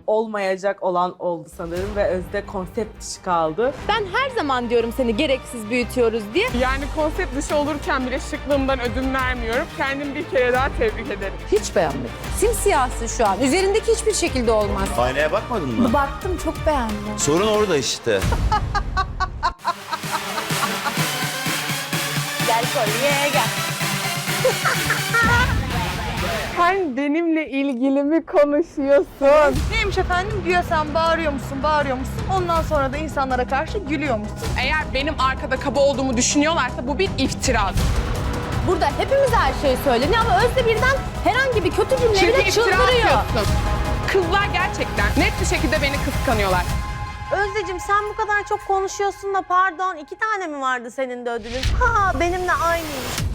olmayacak olan oldu sanırım ve Özde konsept dışı kaldı. Ben her zaman diyorum seni gereksiz büyütüyoruz diye. Yani konsept dışı olurken bile şıklığımdan ödün vermiyorum. Kendimi bir kere daha tebrik ederim. Hiç beğenmedim. Simsiyahsın şu an. Üzerindeki hiçbir şekilde olmaz. Aynaya bakmadın mı? Baktım, çok beğendim. Sorun orada işte. Gel kolye gel. Sen benimle ilgili mi konuşuyorsun? Neymiş efendim? Güya sen bağırıyor musun? Ondan sonra da insanlara karşı gülüyor musun? Eğer benim arkada kaba olduğumu düşünüyorlarsa bu bir iftiradır. Burada hepimiz her şeyi söyleniyor ama Özde birden herhangi bir kötü cümleyle Çünkü iftira çıldırıyor. atıyorsun. Kızlar gerçekten net bir şekilde beni kıskanıyorlar. Özdeciğim sen bu kadar çok konuşuyorsun da pardon 2 tane mi vardı senin de ödülün? Ha benimle aynıymış.